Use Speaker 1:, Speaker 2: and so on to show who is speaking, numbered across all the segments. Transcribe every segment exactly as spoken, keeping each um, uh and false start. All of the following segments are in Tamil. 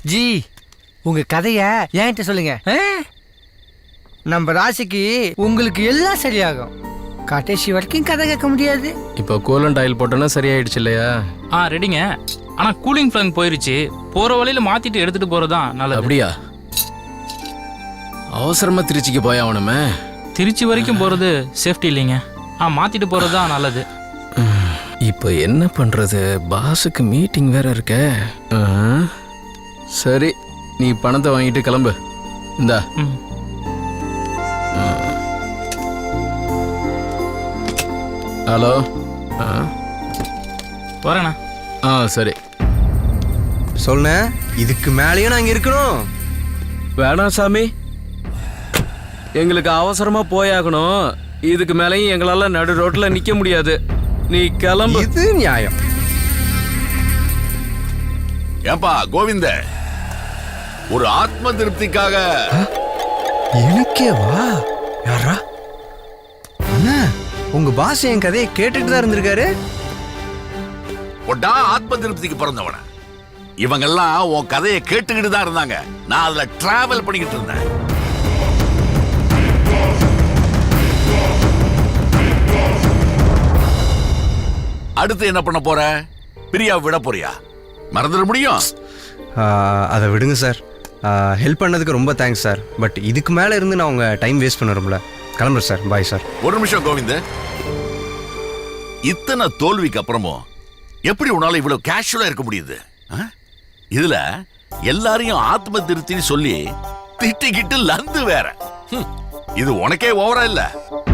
Speaker 1: ஜி உங்க கதைய என்கிட்ட சொல்லுங்க. நம்ம ராசிக்கு உங்களுக்கு எல்லாம் சரியாகும். கடைசி வரைக்கும் கதை கேட்க முடியாது.
Speaker 2: இப்போ கூலண்ட் ஆயில் போட்டோன்னா சரியாயிடுச்சு இல்லையா?
Speaker 3: ஆ ரெடிங்க. ஆனா கூலிங் ஃபேன் போயிருச்சு. போற வழியில மாத்திட்டு எடுத்துட்டு போறதுதான் நல்லது.
Speaker 2: அப்படியா? அவசரமா திருச்சிக்கு போய் ஆகணுமே.
Speaker 3: திருச்சி வரைக்கும் போறது சேஃப்டி இல்லைங்க. ஆ மாத்திட்டு போறதுதான் நல்லது.
Speaker 2: இப்போ என்ன பண்றது? பாஸுக்கு மீட்டிங் வேற இருக்க. சரி, நீ பணத்தை வாங்கிட்டு கிளம்பு. இந்தா. ஹலோ.
Speaker 3: வரேண்ணா.
Speaker 2: ஆ சரி.
Speaker 4: சொல்ல இதுக்கு மேலேயும் நாங்க இருக்கணும்.
Speaker 2: வேணாம் சாமி, எங்களுக்கு அவசரமா போயாகணும். இதுக்கு மேலேயும் எங்களால நடு ரோட்ல நிக்க முடியாது. நீ கிளம்பு.
Speaker 4: இது நியாயம்.
Speaker 5: ஏப்பா கோவிந்த, ஒரு ஆத்ம திருப்திக்காக.
Speaker 4: எனக்கே வா. யாரா அண்ணா? உங்க பாஸ் என் கதையை கேட்டுட்டு தான் இருந்திருக்காரு.
Speaker 5: ஒட்டா ஆத்ம திருப்திக்கு பிறந்தவன. இவங்கெல்லாம் உன் கதையை கேட்டுக்கிட்டு தான் இருந்தாங்க. நான் அதுல டிராவல் பண்ணிக்கிட்டு இருந்தேன். அடுத்து என்ன பண்ண போற? பிரியா விட போறியா? மறந்துட முடியும்.
Speaker 4: அதை விடுங்க சார். ஹெல்ப் பண்ணதுக்கு ரொம்ப தேங்க்ஸ் சார். பட் இதுக்கு மேல இருந்து நான் உங்க டைம் வேஸ்ட் பண்ணுறோம்ல. கிளம்புறேன் சார். Bye sir.
Speaker 5: ஒரு நிமிஷம் கோவிந்த். இத்தனை தோல்விக்கு அப்புறமும் எப்படி உன்னால இவ்வளவு கேஷுவலா இருக்க முடியுது? இதுல எல்லாரையும் ஆத்ம திருப்தின்னு சொல்லி திட்டிக்கிட்டு லந்து வேற. இது உனக்கே ஓவரா இல்ல?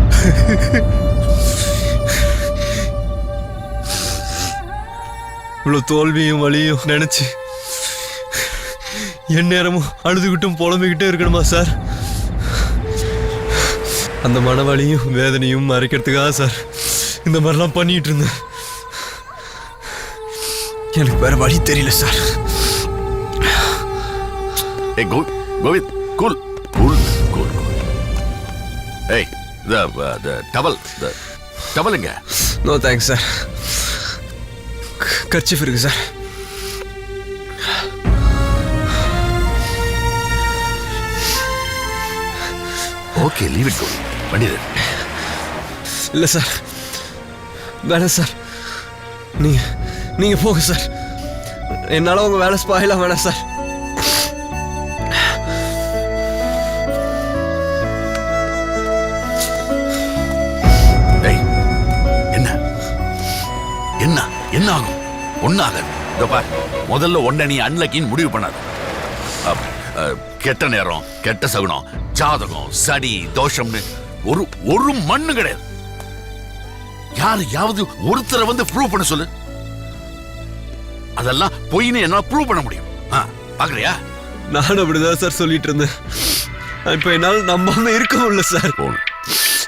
Speaker 4: இவ்வளவு தோல்வியும் வலியும் நினைச்சு என் நேரமும் அழுதுகிட்டும் புலம்பிக்கிட்டே இருக்கணுமா சார்? அந்த மனவலியும் வேதனையும் மறைக்கிறதுக்காக சார் இந்த மாதிரிலாம் பண்ணிட்டு இருந்தேன். எனக்கு வேற வழி தெரியல சார்.
Speaker 5: ஏய் கோவிந்த், கூல் கூல் கூல். ஏய் த த டவல் த டவலுங்க.
Speaker 4: No thanks sir. கர்ச்சீஃப் இருக்கு சார்.
Speaker 5: Okay, leave it. பண்ணிடு.
Speaker 4: இல்ல சார், வேணாம் சார். நீங்க நீங்க போங்க சார். என்னால உங்க வேலை ஸ்பாயிலா வேணாம் சார்.
Speaker 5: என்ன என்ன என்ன ஆகும்? ஒன்னாக முதல்ல ஒன்ன நீ அன்லக்கின்னு முடிவு பண்ணாத. கெட்ட நேரம், கெட்ட சகுனம், ஜாதகம், சடி, தோஷம்னு ஒரு ஒரு மண்ணு கிடையாது. யாரையாவது ஒருத்தரை வந்து ப்ரூவ் பண்ண சொல்லு. அதெல்லாம் பொய்னு என்ன ப்ரூவ் பண்ண முடியும்? பாக்குறியா?
Speaker 4: நானும் அப்படிதான் சார் சொல்லிட்டு இருந்தேன். இப்ப என்னால நம்பாம இருக்க முடியல சார்.